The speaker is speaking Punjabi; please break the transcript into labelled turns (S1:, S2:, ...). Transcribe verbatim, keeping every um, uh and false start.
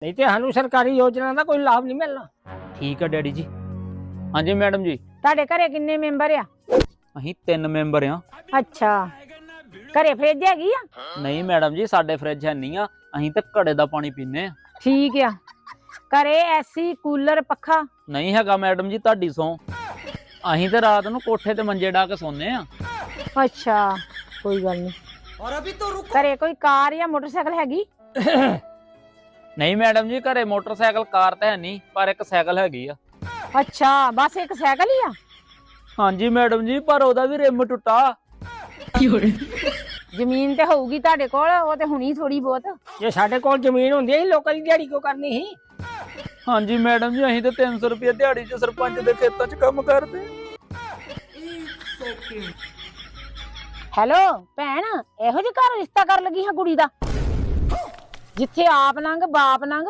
S1: नहीं तो सानू सरकारी योजना का कोई लाभ नहीं मिलना।
S2: ठीक है डैडी जी। हाँ जी मैडम जी।
S3: ਤੁਹਾਡੇ ਘਰੇ ਕਿੰਨੇ ਮੈਂਬਰ ਆ?
S2: ਅਸੀਂ ਤਿੰਨ ਮੈਂਬਰ ਆ।
S3: ਅੱਛਾ, ਘਰੇ ਫ੍ਰਿਜ ਹੈਗੀ ਆ?
S2: ਨਹੀਂ ਮੈਡਮ ਜੀ, ਸਾਡੇ ਫ੍ਰਿਜ ਹੈ ਨਹੀਂ ਆ, ਅਸੀਂ ਤੇ ਘੜੇ ਦਾ ਪਾਣੀ ਪੀਨੇ ਆ।
S3: ਠੀਕ ਆ। ਘਰੇ ਐਸੀ ਕੂਲਰ ਪੱਖਾ?
S2: ਨਹੀਂ ਹੈਗਾ ਮੈਡਮ ਜੀ, ਤੁਹਾਡੀ ਸੌ। ਅਸੀਂ ਤੇ ਰਾਤ ਨੂੰ ਕੋਠੇ ਤੇ ਮੰਜੇ ਢਾ ਕੇ ਸੌਂਦੇ ਆ।
S3: ਅੱਛਾ, ਕੋਈ ਗੱਲ ਨਹੀਂ।
S4: और अभी तो रुको।
S3: ਘਰੇ ਕੋਈ ਕਾਰ ਜਾਂ ਮੋਟਰਸਾਈਕਲ ਹੈਗੀ?
S2: ਨਹੀਂ ਮੈਡਮ ਜੀ, ਘਰੇ ਮੋਟਰਸਾਈਕਲ ਕਾਰ ਤਾਂ ਹੈ ਨਹੀਂ, ਪਰ ਇੱਕ ਸਾਈਕਲ ਹੈਗੀ ਆ।
S3: ਅੱਛਾ, ਬਸ ਇੱਕ ਸਾਈਕਲ ਹੀ ਆ?
S2: ਹਾਂਜੀ ਮੈਡਮ ਜੀ, ਪਰ ਉਹਦਾ ਵੀ ਰਿਮ ਟੁੱਟਾ।
S3: ਜ਼ਮੀਨ ਤੇ ਹੋਊਗੀ ਤੁਹਾਡੇ ਕੋਲ, ਉਹ ਤੇ ਹੁਣੀ ਥੋੜੀ ਬਹੁਤ।
S1: जे साडे कोल जमीन होंदी है लोकां दी दिहाड़ी क्यों करनी ही?
S2: ਹਾਂਜੀ ਮੈਡਮ ਜੀ, ਅਸੀਂ ਤੇ ਤਿੰਨ ਸੌ ਰੁਪਏ ਦਿਹਾੜੀ 'ਚ ਸਰਪੰਚ ਦੇ ਖੇਤਾਂ 'ਚ ਕੰਮ ਕਰਦੇ।
S3: ਹੈਲੋ ਭੈਣ, ਇਹੋ ਜਿਹੇ ਘਰ ਰਿਸ਼ਤਾ ਕਰ ਲੱਗੀ ਹਾਂ ਕੁੜੀ ਦਾ, ਜਿੱਥੇ ਆਪ ਨੰਗ ਬਾਪ ਨੰਗ